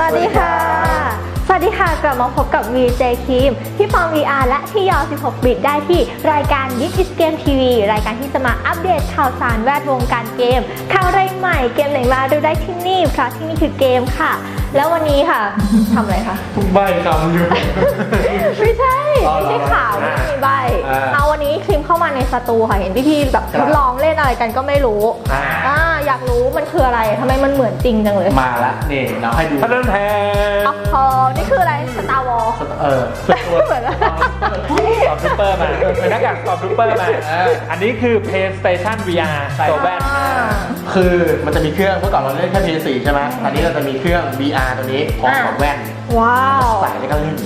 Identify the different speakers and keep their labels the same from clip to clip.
Speaker 1: วัสดีค่ะกลับมาพบกับ VJ คิมที่ฟอร์ม VR และที่ยอ16 บิตได้ที่รายการ This is Game TV รายการที่จะมาอัปเดตข่าวสารแวดวงการเกมข่าวอะไรใหม่เกมไหนมาดูได้ที่นี่เพราะที่นี่คือเกมค่ะแล้ววันนี้ค่ะทำอะไรคะ
Speaker 2: ใบคำอยู่
Speaker 1: ไม่ใช่ข่าวไม่มีใบเอาวันนี้คิมเข้ามาในสตูค่ะเห็นพี่ๆแบบทดลองเล่นอะไรกันก็ไม่รู้อยากรู้มันคืออะไรทำไมมันเหมือนจริงจังเลย
Speaker 2: มาละนี่เราให้ดูท่านแทน
Speaker 1: นี่คืออะไรสตาร์วอลเหมือน
Speaker 2: สอบซูเปอร์มาเป็นหน้ากากสอบซูเปอร์มาอันนี้คือ PlayStation VR ตัวแว่นคือมันจะมีเครื่องเมื่อก่อนเราเล่นแค่ PS4 ใช่ไหมตอนนี้เราจะมีเครื่อง VR ตัวนี้พร้อมกับแว่น
Speaker 1: ว้าว
Speaker 2: ใส่แล้วก็เล่น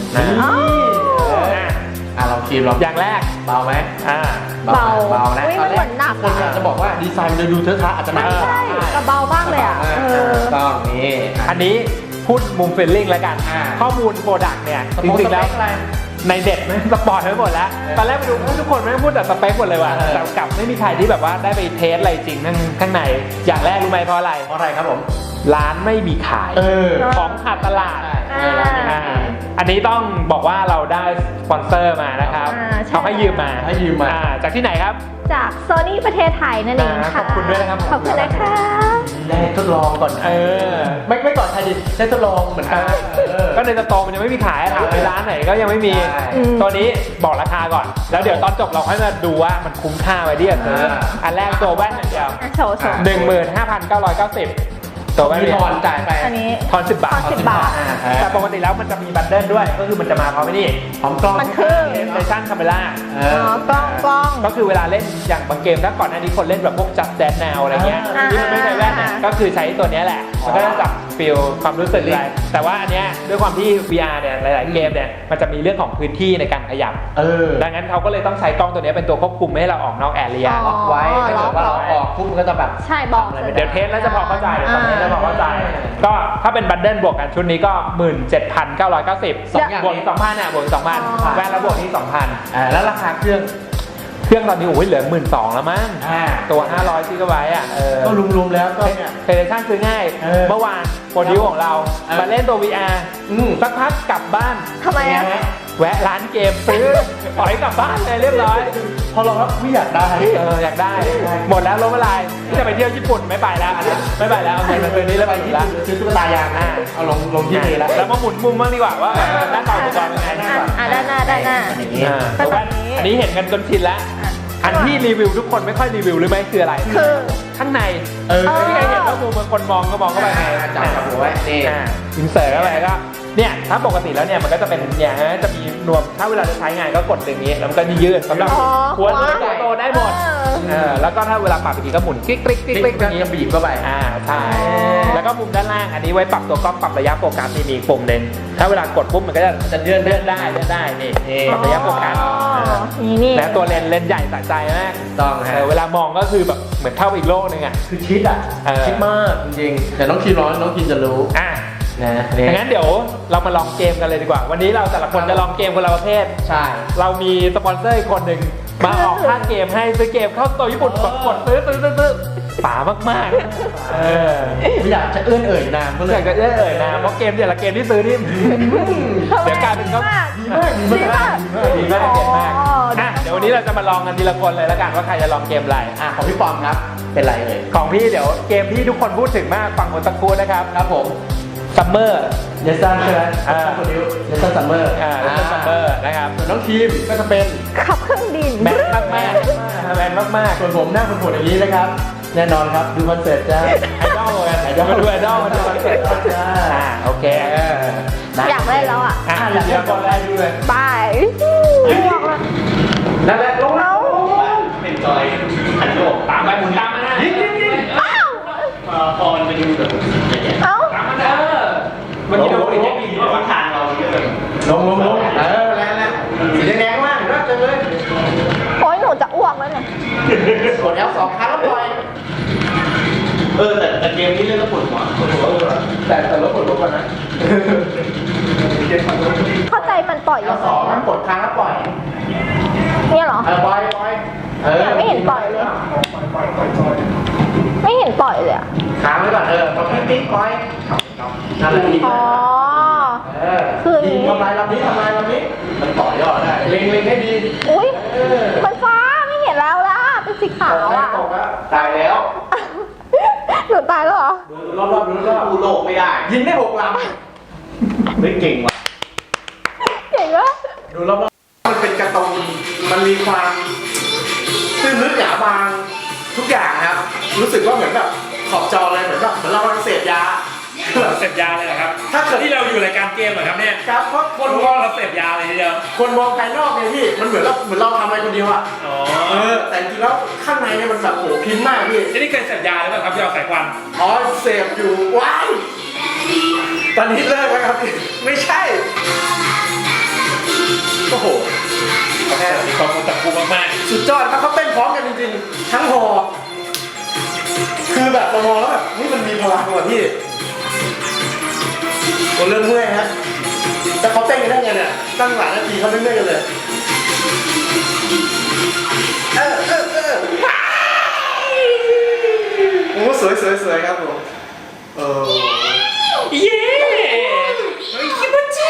Speaker 2: เราคีมลองอย่างแรกเบาไหม
Speaker 1: เบา
Speaker 2: นะ
Speaker 1: ตอนแรก
Speaker 2: คนจะบอกว่าดีไซน์มันจะดูเทอะทะอาจจะหนัก
Speaker 1: ใช่กระเบามากเลย
Speaker 2: ต้องนี่อันนี้พูดมุมเฟลลิ่งแล้วกันข้อมูลโปรดักต์เนี่ยจริงๆแล้วในเด็ดสปอร์ตไปหมดแล้วตอนแรกไปดูทุกคนไม่พูดแต่สเปคหมดเลยว่ะแต่กลับไม่มีใครที่แบบว่าได้ไปเทสอะไรจริงข้างในอย่างแรกรู้ไหมเพราะอะไรครับผมร้านไม่มีขายของขาดตลาดอันนี้ต้องบอกว่าเราได้สปอนเซอร์มานะครับเขาให้ยืมมาจากที่ไหนครับ
Speaker 1: จาก Sony ประเทศไทยนั่นเองค่ะ
Speaker 2: ขอบคุณด้วยนะครับ
Speaker 1: ขอบคุณนะคะ
Speaker 2: ได้ทดลองก่อนไม่ก่อนใครได้ทดลองเหมือนกันก็ในสตอร์มันยังไม่มีขายถามในร้านไหนก็ยังไม่มีตัวนี้บอกราคาก่อนแล้วเดี๋ยวตอนจบเราค่อยมาดูว่ามันคุ้มค่าไว้ที่จะซื้ออันแรกตัวแว่นอย่างเดียว15,990ตัวไม่ทอนจ่ายไปทอน10 บาทแต่ปกติแล้วมันจะมีบันเดิลด้วยก็คือมันจะมาพร้อมนี่พร้อมกล้อง
Speaker 1: มันคือ
Speaker 2: PlayStation Camera
Speaker 1: กล้อง
Speaker 2: ก็คือเวลาเล่นอย่างบางเกมถ้าก่อนหน้านี้คนเล่นแบบพวก Just Dance Now อะไรเงี้ยที่มันไม่ใช้แว่นเนี่ยก็คือใช้ตัวนี้แหละมันก็จะจับฟีลความรู้สึกอะไรแต่ว่าอันเนี้ยด้วยความที่ VR เนี่ยหลายๆเกมเนี่ยมันจะมีเรื่องของพื้นที่ในการขยับดังนั้นเขาก็เลยต้องใช้กล้องตัวนี้เป็นตัวควบคุมไม่ให้เราออกนอกแอเรียล็อกไว้ถ้าเกิดว่าเราออกปุ๊บมันก็จะแบบ
Speaker 1: ใช่บอก
Speaker 2: เดี๋ยวเทสแล้วจะพอเข้าใจตอนนี้จะพอเข้าใจก็ถ้าเป็นบันเดิลบวกกันชุดนี้ก็ 17,990 บวกอีก 2,000 เนี่ยบวกอีก 2,000 แว่นแล้วบวกอีก 2,000 แล้วราคาเครื่องตอนนี้เหลือ 12,000 แล้วมั้งตัว500 GB ก็รวมๆแล้วก็เนี่ยPlayStationซื้อง่ายเมื่อวานโปรดิวของเรามาเล่นตัว VR สักพักกลับบ้าน
Speaker 1: ทำไม
Speaker 2: แวะร้านเกมซื้อปล่อยกลับบ้านเลยเรียบร้อยพอเราแล้วไม่อยากได้อยากได้หมดแล้วล้มละลายที่จะไปเที่ยวญี่ปุ่นไม่ไปแล้วไม่ไปแล้วเงินคืนนี้แล้วไปที่ร้านซื้อตุ๊กตายางเอาลงที่นี่แล้วมาหมุนมุมบ้างดีกว่าว่าหน้าตาอุปกรณ์เป็นไง
Speaker 1: ด้านหน้า
Speaker 2: อันนี้เห็นกันจนชินแล้วอันที่รีวิวทุกคนไม่ค่อยรีวิวหรือไม่คืออะไร
Speaker 1: คือ
Speaker 2: ข้างในที่ใครเห็นว่ามุมบางคนมองก็มองเข้าไปไงจับหัวไว้นี่อินเสิร์ตเข้าไปก็เนี่ยถ้าปกติแล้วเนี่ยมันก็จะเป็นอย่างนี้จะมีนวมถ้าเวลาจะใช้งานก็กดอย่างนี้แล้วมันก็ยืดสำหรับหัวโตได้หมดแล้วก็ถ้าเวลาปรับอีกทีก็หมุนคลิกอย่างนี้บีบเข้าไปใช่แล้วก็มุมด้านล่างอันนี้ไว้ปรับตัวกล้องปรับระยะโฟกัสมีอีกปุ่มหนึ่งถ้าเวลากดปุ๊บมันก็จะเลื่อนได้นี่ปรับระยะโฟกัสและตัวเลนส์ใหญ่สะใจมากต้องเวลามองก็คือแบบเหมือนเข้าไปอีกโลกนึงคือชิดชิดมากจริงๆแต่น้องคินจะรู้ดังนั้นเดี๋ยวเรามาลองเกมกันเลยดีกว่าวันนี้เราแต่ละคนจะลองเกมคนละประเภทใช่เรามีสปอนเซอร์อีกคนหนึ่งมาออกค่าเกมให้ซื้อเกมเข้าตัวญี่ปุ่นกดซื้อป๋ามากไม่อยากจะเอื้อนเอ่ยนามก็เลยอยากจะเอื้อนเอ่ยนามเพราะเกมแต่ละเกมที่ซื้อนี่เดี๋ยวกลายเป็นเขาดีมากเกมมากเดี๋ยววันนี้เราจะมาลองกันทีละคนเลยแล้วกันว่าใครจะลองเกมอะไรของพี่ปอมครับเป็นไรเอ่ยของพี่เดี๋ยวเกมที่ทุกคนพูดถึงมากฝั่งคนตะกูนะครับครับผมซัมเมอร์เนสซันใช่ไหมเนสซันซัมเมอร์นะครับส่วนน้องทีมก็จะเป็น
Speaker 1: ขับเครื่องบิน
Speaker 2: แมนมากส่วนผมหน้าคนโหดอย่างนี้นะครับแน่นอนครับดูคอนเสิร์ตจ้าไอดอลกันมาดูคอนเสิร์ตจ้าโอเค
Speaker 1: อยากได้แล้ว
Speaker 2: อยากได้ก่อนได้ดูเลย
Speaker 1: บาย
Speaker 2: นั่นแหละลงเป็นจอยหันโลกตามไปหมุนตามมายิงพอมันไปดูแบบตามมามันมีโดนอย่างนี้ว่าทางเราเยอะลงแล้วสีแดงมากรักจังเลย
Speaker 1: โอ้ยหนูจะอ้วกแล้วเนี่ย
Speaker 2: กดL2 ครั้งแล้วปล่อยแต่เกมนี้เล่นแล้วปวดหัวแต่แล้วปวดหัวกันนะ
Speaker 1: เข้าใจมันปล่อยยังไง
Speaker 2: มันกดครั้งแล้วปล่อย
Speaker 1: เนี่ยเหรอ
Speaker 2: ปล่อย
Speaker 1: ไม่เห็นปล่อยเลยไม่เห็นปล่อยเลย
Speaker 2: ค้างไว้ก่อนพอปิ๊งปล่อยนั่นแหละยิง
Speaker 1: อ๋อ คืออย่าง
Speaker 2: ยิง
Speaker 1: นี้
Speaker 2: ทำลายลำนี้มันต่อยอดได้เล็งให้ดี
Speaker 1: อุ้ยมันฟ้าไม่เห็นแล้วล่ะ เป็นสีขาวอ่ะ
Speaker 2: ตกแล้วตายแล้ว
Speaker 1: หนูตายแล้วเหรอ
Speaker 2: ดูรอบๆดูโลกไม่ได้ยิงได้6 ลำไม่เก่งว่ะ
Speaker 1: เก่งวะ
Speaker 2: ดูรอบๆมันเป็นการ์ตูนมันมีความตื้นลึกหนาบางทุกอย่างครับรู้สึกว่าเหมือนแบบขอบจอเลยเหมือนเรากำลังเสพยา
Speaker 3: เสพยาเลยเหรอครับ
Speaker 2: ถ้าเกิด
Speaker 3: ที่เราอยู่รายการเกมเหรอครับเนี่ย
Speaker 2: ครับเพราะค
Speaker 3: คน น
Speaker 2: ม
Speaker 3: ว่า
Speaker 2: อง
Speaker 3: เราเสพยาเลยทีเดียว
Speaker 2: คนมองภายนอกเนี่ยพี่มันเหมือนเราทำอะไรคนเดียวอะ
Speaker 3: อ๋อ
Speaker 2: แต่จริงๆแล้วข้างในเนี่ยมันแบบโหพิมพ์มากพี่
Speaker 3: ที่นี่เคยเสพยาหรือเปล่าครับยาสายควัน
Speaker 2: อ๋อเสพอยู่ว้ายตอนนี้เลิกแล้วครับพี่ไม่ใช่โอ้โห
Speaker 3: มีความกดดันกูมาก
Speaker 2: สุดยอดครับเขาเต้นพร้อมกันจริงๆทั้งหอคือแบบเรามองแล้วแบบนี่มันมีพลังว่ะพี่ผมเริ่มเมื่อยฮะแต่เขาเต้นกันได้ไงเนี่ยตั้งหลายนาทีเขาไม่เมื่อยกันเลยโอ้สวยครับผม
Speaker 3: ๆเย้คิดจิ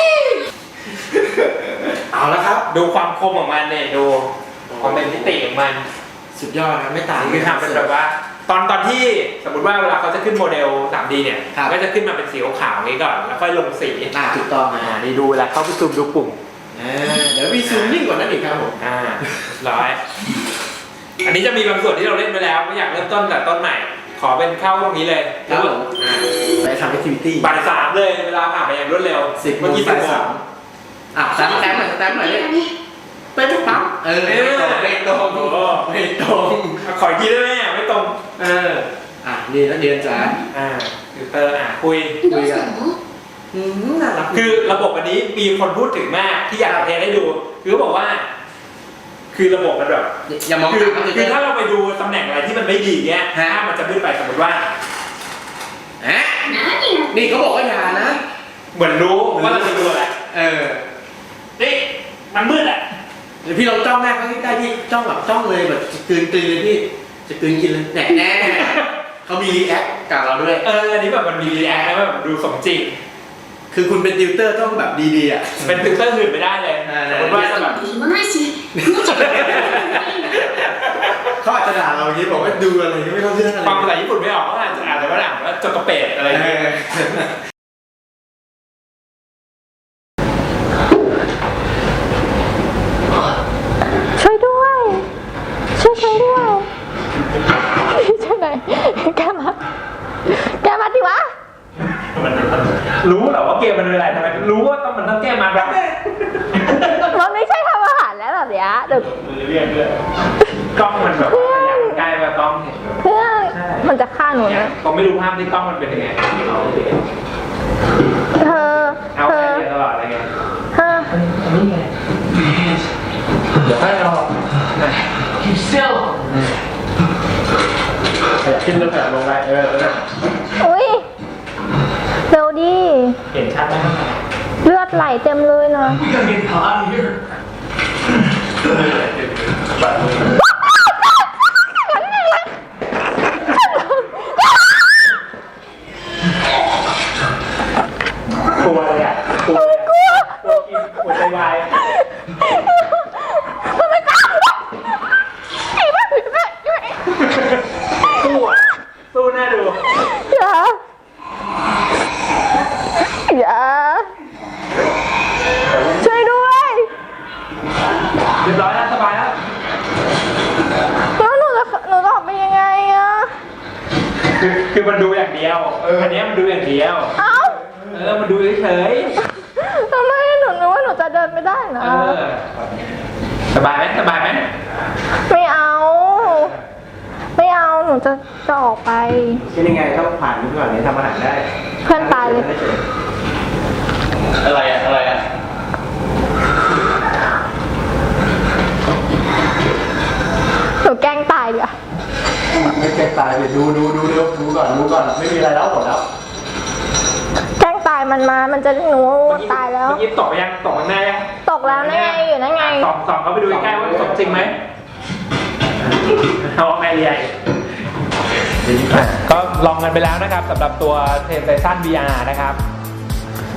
Speaker 2: เอาละครับ
Speaker 3: ดูความคมของมันเนี่ยดูความเป็นมิติของมัน
Speaker 2: สุดยอดครับไม่ต่าง
Speaker 3: คือทำเป็นแบบว่า ตอนที่สมมติว่าเวลาเขาจะขึ้นโมเดล 3D เนี่ยก็จะขึ้นมาเป็นสีขาวๆอย่างนี้ก่อนแล้วค่อยลงสี
Speaker 2: ถูกต้องนะ
Speaker 3: นี่ดูเวลาเข้าไปซูมดูปุ่ม
Speaker 2: เดี๋ยวมีซูมยิ่งกว่านั้นอีกครับผม
Speaker 3: ร้อย อันนี้จะมีบางส่วนที่เราเล่นไปแล้วไม่อยากเริ่มต้นแต่ต้นใหม่ ขอเป็นเข้าตรงนี้เลย
Speaker 2: ครับผมไปทำแอคทิวิตี้
Speaker 3: บ่าย3เลยเวลาผ่านไปอย่างรวดเร็ว
Speaker 2: 10
Speaker 3: เมื่อกี้
Speaker 2: บ่าย
Speaker 3: 10
Speaker 2: 3 แต้มหน่อยเนี่ยเป็นปั๊บไม่ตรง
Speaker 3: ขออีกทีได้ไหมไม่ตรง
Speaker 2: เรียนแล้วเรียนจ้า
Speaker 3: ติวเตอร์คุย
Speaker 2: กันน่ารัก
Speaker 3: คือระบบอันนี้มีคนพูดถึงมากที่อยากเทสให้ดู คือเขาบอกว่า คือระบบมันแบบ
Speaker 2: อย่ามอง
Speaker 3: คือถ้าเราไปดูตำแหน่งอะไรที่มันไม่ดีเงี้ยถ้ามันจะขึ้นไปสมมติว่า
Speaker 2: นี่เขาบอกว่าอย่านะ
Speaker 3: เหมือนรู้ว่าเราจะดูอะไรนี่มันมืดอ่ะ
Speaker 2: เดี๋ยวพี่ลองจ้องหน้าเขาใกล้ๆพี่จ้องแบบจ้องเลยแบบกลืนเลยพี่จะกลืนกินเลยแน่เขามีรีแอคกับเราด้วย
Speaker 3: อันนี้แบบมันมีรีแอคแล้วแบบดูสมจริง
Speaker 2: คือคุณเป็นติวเตอร์ต้องแบบดีๆอ่ะ
Speaker 3: เป็นติวเตอร์อื่นไม่ได้เลยสมมติว่าแบบ
Speaker 2: เขาอาจจะด่าเราอย่างนี้บอกว่าดูอะไรไม่เข้าเรื่องอะไร
Speaker 3: ฟังภาษาญี่ปุ่นไม่ออกก็อาจจะอ่านแต่ว่าอ่านว่าจกกระเป็ดอะไรอย่างเงี้ย
Speaker 1: ช่วยด้วย ช่วยด้วยช่วยหน่อยแกมาดิวะ
Speaker 3: รู้เหรอว่าเกมมันเป็นอะไรทำไมรู้ว่ามันต้องแก้มาแบบ
Speaker 1: มันไม่ใช่ทำอาหารแล้วแบบเนี้ยเดี๋ยว
Speaker 3: เรียกด้วยกล้องมันแบบว่าอย่างใกล้มากล้องเห็น
Speaker 1: เพื่อนมันจะฆ่าหนูนะ
Speaker 3: เขาไม่รู้ภาพที่กล้องมันเป็นยังไง
Speaker 1: เธอ
Speaker 3: เอาไปเรียนตลอดอะไรเงี้ย
Speaker 1: ฮะ
Speaker 3: เดี๋ยวให้เราขึ้นแล้วแบบลงไป
Speaker 1: อุ้ยเร็วดิ
Speaker 3: เห็นชัดไหม
Speaker 1: เลือดไหลเต็มเลยนะ
Speaker 3: กลัวเลยอ่ะกลัวกินหัวใจวาย
Speaker 1: มันไม่กล้าไอ้บ้า
Speaker 3: สู้น่าดู
Speaker 1: อย่าช่วยด้วย
Speaker 3: เรียบร้อยแล้วสบายแล้ว
Speaker 1: แล้วหนูจะออกไปยังไงอะ
Speaker 3: คือมันดูอย่างเดียวอันนี้มันดูอย่างเดียว
Speaker 1: เอ้า
Speaker 3: มันดูเฉย
Speaker 1: ทำไมหนูนึกว่าหนูจะเดินไม่ได้นะ
Speaker 3: สบายไหมสบายไหม
Speaker 1: ไม่เอาหนูจะออกไป
Speaker 2: เป็นยังไงต้องผ่านนี้ก่อนนี้ทำอาหารได้
Speaker 1: เพื่อนตายเลย
Speaker 2: อะไรอ่ะ
Speaker 1: หนูแกล้งตายดีกว่า
Speaker 2: ไม่แกตายเลยดูก่อนไม่มีอะไรแล้วหมดแล้ว
Speaker 1: แกล้งตายมันจะหนูตายแล้ว
Speaker 3: เมื่อกี้ตกยังตกข้างหน้ายัง
Speaker 1: ตกแล้วนั่นไงอยู่นั่นไง
Speaker 3: ส่องเขาไปดูใกล้ว่าตกจริงไหมเอาไงใหญ่ก็ลองกันไปแล้วนะครับสำหรับตัว PlayStation VR นะครับ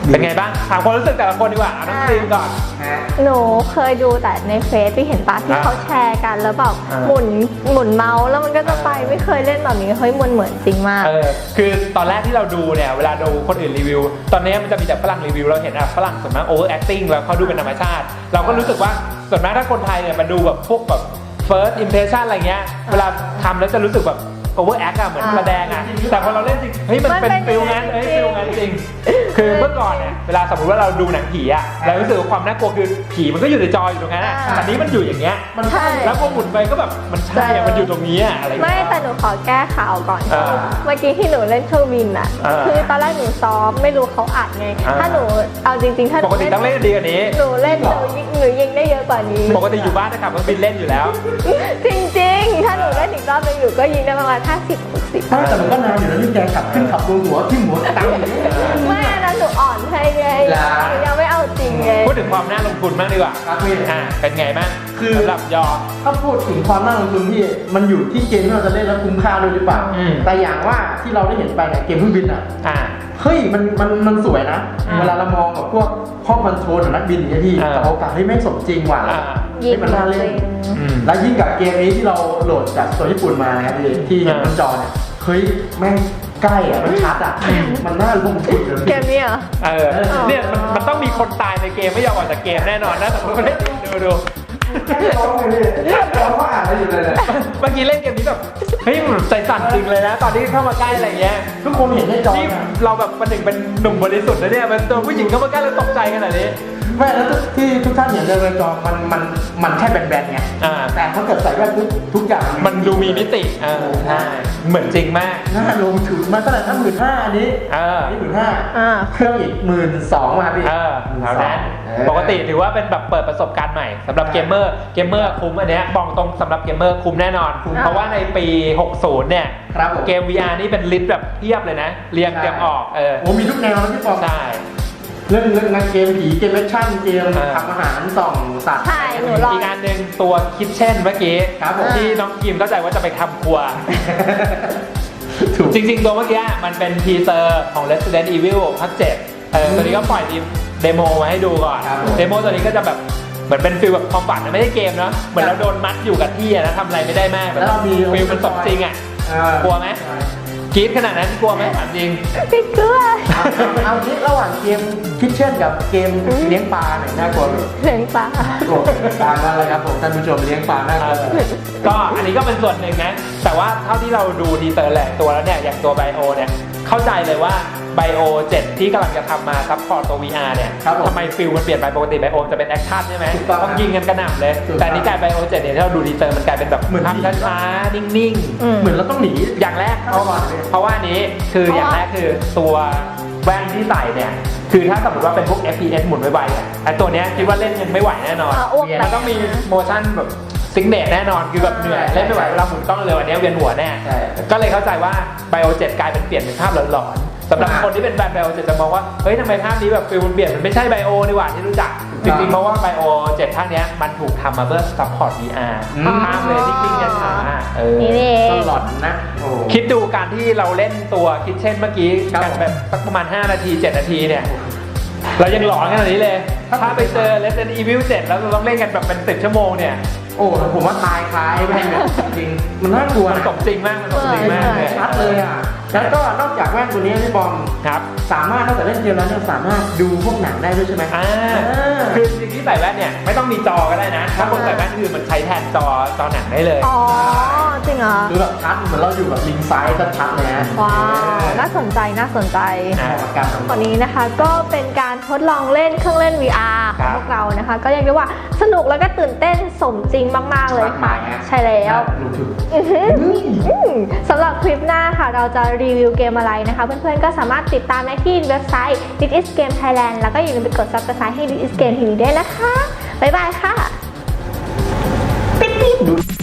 Speaker 2: เป็นไงบ้างถามความรู้สึกแต่ละคนดีกว่าเอาน้องครีมก่อน
Speaker 1: หนูเคยดูแต่ในเฟซที่เห็นปะที่เขาแชร์กันแล้วแบบ
Speaker 2: อ่า
Speaker 1: หมุนเมาส์แล้วมันก็จะไปไม่เคยเล่นแบบนี้เฮ้ยมันเหมือนจริงมาก
Speaker 2: คือตอนแรกที่เราดูเนี่ยเวลาดูคนอื่นรีวิว ตอนนี้มันจะมีแต่ฝรั่งรีวิวเราเห็นฝรั่งส่วนมาก over acting แล้วเขาดูเป็นธรรมชาติ เราก็รู้สึกว่าส่วนมากถ้าคนไทยเนี่ยมาดูแบบพวกแบบ first impression อะไรเงี้ยเวลาทำแล้วจะรู้สึกแบบ over act อะเหมือนแสดงอะแต่พอเราเล่นจริงเฮ้ยมันเป็นฟิลงั้นฟิลงั้นจริงคือเมื่อก่อนเนี่ยเวลาสมมติว่าเราดูหนังผีอะเรารู้สึกว่าความน่ากลัวคือผีมันก็อยู่ในจออยู่ตรงนั้นอะอันนี้มันอยู่อย่างเงี้ย
Speaker 1: ใช่
Speaker 2: แล้วพอหมุนไปก็แบบมันใช่อะมันอยู่ตรงนี้อะอะไร
Speaker 1: ไม่แต่หนูขอแก้ข่าวก่อน
Speaker 2: อ่า
Speaker 1: เมื่อกี้ที่หนูเล่นเครื่องบินอ่ะ
Speaker 2: อ่า
Speaker 1: คือตอนแรกหนูซ้อมไม่รู้เขาอัดไง
Speaker 2: อ่า
Speaker 1: ถ้าหนูเอาจริงๆถ้าห
Speaker 2: ป
Speaker 1: นู
Speaker 2: กติต้องเล่นดีกว่านี้
Speaker 1: หนูเล่นหนูยิงได้เยอะกว่านี้
Speaker 2: ปกติอยู่บ้านนะครับมันบินเล่นอยู่แล้ว
Speaker 1: จริงๆ ถ้าหนูเล่นอีกรอบนึงอยู่ก็ยิงได้ประมาณ50-60
Speaker 4: แต่มันก็นานอยู่แล้วนี่แกขับขึ้นขับลงหัวที่หัวตั้งอย่างนี้
Speaker 1: ไม่อันนั้นหนูอ่อนให้ไง
Speaker 4: ล่ะ
Speaker 1: หนูยังไม่เอาจริงไง
Speaker 2: พูดถึงความน่าลงทุนบ้างดีกว่า
Speaker 4: ครับพี่
Speaker 2: เป็นไงบ้าง
Speaker 4: คือ
Speaker 2: สำหรับยอ
Speaker 4: ถ้าพูดถึงความน่าลงทุนพี่มันอยู่ที่เกมที่เราจะเล่นแล้วคุ้มค่าด้วยหรือเปล่า
Speaker 2: อืม
Speaker 4: แต่อย่างว่าที่เราได้เห็นไปเนี่ยเกมเครื่องบินอ่ะ
Speaker 2: อ่า
Speaker 4: เฮ้ยมันสวยนะ
Speaker 2: อ่า
Speaker 4: เวลาเรามองกับพวกห้องคอนโทรลของนักบินอย่างเงี้ยพี่
Speaker 2: อ่า
Speaker 4: แต่โอกาสให้แม่งสมจริงว่ะ
Speaker 2: อ่า
Speaker 1: ยิ
Speaker 4: ให้
Speaker 1: ง
Speaker 4: มันน่าเล่น
Speaker 2: อืม
Speaker 4: แล้วยิ่งกับเกมนี้ที่เราโหลดจากตัวญี่ปุ่นมานะครับพี่ที่เห็นบนจอเนี่ยเฮ้ยแม่งใกล้อ่ะมันชัดอ่ะมันน่าลงทุนเลย
Speaker 1: เกมนี้เหรอ
Speaker 2: เนี่ยมันต้องมีคนตายในเกมไม่ยอมออกจากเกมแน่นอนนะแต่ผมเล่นดู
Speaker 4: ร้องเลยพี่ร้องว่าอ่านอะไรอยู่เลยเนี่ย
Speaker 2: เมื่อกี้เล่นเกมนี้แบบเฮ้ยมันใจสั่นจริงเลยนะ ตอนที่เข้ามาใกล้อะไรเงี้ย
Speaker 4: ทุกคนเห็นในจอ
Speaker 2: นี่
Speaker 4: เนี่ย
Speaker 2: เราแบบประหนึ่งเป็นหนุ่มบริสุทธิ์นะเนี่ยมันตัวผู้หญิงเข้ามาใกล้แล้วตกใจขนาดนี้
Speaker 4: แม่แล้วที่ทุกท่านเห็นในจอมันแค่แบนๆไง
Speaker 2: อ่า
Speaker 4: แต่ถ้าเกิดใส่แว่นทุกอย่าง
Speaker 2: มันดูมีมิติใช่เหมือนจริงมาก
Speaker 4: น่าลงทุนมาเท่าไหร่ถ้า15,000อันนี้ นี่15,000
Speaker 1: อ่า
Speaker 4: เครื่องอีก12,000มาพี่
Speaker 2: แถวนั้นปกติถือว่าเป็นแบบเปิดประสบการณ์ใหม่สำหรับเกมเมอร์คุ้มอันเนี้ยบอกตรงสำหรับเกมเมอร์คุ้มแน่นอน เพราะว่าในปี 60 เนี่ย
Speaker 4: ครับผม
Speaker 2: เกม VR นี่เป็นลิสต์แบบเพียบเลยนะ เรียงเตรียมออก
Speaker 4: โอ้มีทุกแนวนะพี่ปอง
Speaker 2: ใช่
Speaker 4: เรื่องงานเกมผีเกมแอคชั่นเกม
Speaker 2: อ่า
Speaker 4: ทำอาหารส่องสัตว์
Speaker 1: ใช่หนูลอง
Speaker 2: อีกอันหนึ่งตัวคิทเช่นเมื่อกี้
Speaker 4: ครับผม
Speaker 2: ที่น้องกิมเข้าใจว่าจะไปทำครัว
Speaker 4: ถูก
Speaker 2: จริงๆ ตัวเมื่อกี้มันเป็นทีเซอร์ของ Resident Evil ภาค 7ตัวนี้ก็ปล่อยเดโมมาให้ดูก่อน
Speaker 4: ครับผม
Speaker 2: เดโมตัวนี้ก็จะแบบเหมือนเป็นฟิลแบบความฝันนะไม่ใช่เกมเนาะเหมือนเราโดนมัดอยู่กับที่อะนะทำอะไรไม่ได้มาก
Speaker 4: แล้วเรามี
Speaker 2: ฟิลมันสมจริงอ่ะ กลัวไหม กรี๊ดขนาดนั้นกลัวไหมถามจริง
Speaker 1: พี่เกลือ
Speaker 4: เอาที่ระหว่างเกมคิทเช่นกับเกมเลี้ยงปลาหน่อยน่ากลัว
Speaker 1: เสียงปลา
Speaker 4: โอ้ตามนั้นเลยครับผมท่านผู้ชมเลี้ยงปลาน่ากลัว
Speaker 2: ก็อันนี้ก็เป็นส่วนหนึ่งนะ แต่ว่าเท่าที่เราดูทีเซอร์แหละตัวแล้วเนี่ย อย่างตัวไบโอเนี่ย เข้าใจเลยว่าไบโอ7ที่กำลังจะทำมาซัพพอร์ตตัว VR เนี่ย
Speaker 4: ครับผม
Speaker 2: ทำไมฟิลมันเปลี่ยนไปปกติไบโอจะเป็นแอคชั่นใช่ไหม
Speaker 4: ถูกต้อง
Speaker 2: ต้องยิงกันกระหน่ำเลย
Speaker 4: ถูกต้อง
Speaker 2: แต่นี่กลายไบโอ7เนี่ยที่เราดูทีเซอร์มันกลายเป็นแบบ
Speaker 4: เหมือน
Speaker 2: ภาพช้าๆนิ่ง
Speaker 4: เหมือนเราต้องหนี
Speaker 2: ๆ อย่างแรก
Speaker 4: เข้าก่อนเลย
Speaker 2: เพราะว่าอันนี้คืออย่างแรกคือตัวแว่นที่ใส่เนี่ยคือถ้าสมมติว่าเป็นพวก FPS หมุนไวๆเนี่ยไอ้ตัวเนี้ยคิดว่าเล่นยังไม่ไหวแน่นอน
Speaker 1: อ้วกแต
Speaker 2: มัน
Speaker 1: ก
Speaker 2: ต้องมีโมชั่นแบบซิงเนตแน่นอนคือแบบเหนื่อยเล่นไม่ไหวเวลาหมุนกล้องเร็วอันเนี้ยเวียนหัวแน่
Speaker 4: ใช่
Speaker 2: ก็เลยเข้าใจว่าไบโอ7กลายเป็นเปลี่ยนเป็นภาพหลอนๆสำหรับคนที่เป็นแฟนไบโอ7จะมองว่าเฮ้ยทำไมภาพนี้แบบฟิลมันเปลี่ยนมันไม่ใช่ไบโอนี่หว่าที่รู้จักจริงๆเพราะว่าไบโอ7ภาคเนี้ยมันถูกทำมาเพื่อซัพพอร์ต VR ภาพเลยนิ่งๆช้าๆ
Speaker 1: นี่นี่เอ
Speaker 4: ต
Speaker 1: ง
Speaker 4: ลอดนะโอ้
Speaker 2: คิดดูการที่เราเล่นตัวคิดเช่นเมื่อกี้
Speaker 4: ครับ
Speaker 2: กันแบบสักประมาณ5 นาที 7 นาทีเนี่ย เรายังหลอนขนาดนี้เลย ถ้าไปเจอ Resident Evil 7 แล้วเราต้องเล่นกันแบบเป็น10 ชั่วโมงเนี่ย
Speaker 4: โอ้ผมว่าตายคล้ายแม่งเนี่ยจริงๆมันน่ากลัว
Speaker 2: มัน
Speaker 4: นะ
Speaker 2: สมจริงมาก มันสมจริงมากเลย
Speaker 4: ชัดเลยอ่ะ แล้วก็นอกจากแว่นตัวนี้พี่บอม
Speaker 2: ครับ
Speaker 4: สามารถนอกจากเล่นเกมแล้วเนี่ยสามารถดูพวกหนังได้ด้วยใช่ไหม
Speaker 2: คือจริงๆที่ใส่แว่นเนี่ยไม่ต้องมีจอก็ได้นะ ถ้าคนใส่แว่นคือมันใช้แทนจอหนังได้เลย
Speaker 1: อ๋อ จริงเหรอ
Speaker 4: ดูแบบชัดเหมือนเราอยู่แบบลิงซ้ายชัดๆเลยนะ
Speaker 1: ว้าว น่าสนใจ น่าสนใจ
Speaker 4: เหมาะกับการทำ
Speaker 1: วันนี้นะคะก็เป็นการทดลองเล่นเครื่องเล่น VR ข
Speaker 2: ค
Speaker 1: อ
Speaker 2: รั
Speaker 1: ง
Speaker 2: บ
Speaker 1: พวกเรานะคะ ก็เรียกได้ว่าสนุกแล้วก็ตื่นเต้นสมจริงมาก ๆ เลยค่ะ ใช่แล้ว
Speaker 4: ดูถึง
Speaker 1: สำหรับคลิปหน้าค่ะ เราจะรีวิวเกมอะไรนะคะ เพื่อนๆ ก็สามารถติดตามได้ที่เว็บไซต์ This is Game Thailand แล้วก็อย่าลืมไปกด Subscribe ให้ This is Game TV ด้วยนะคะ บ๊ายบายค่ะ
Speaker 4: ดู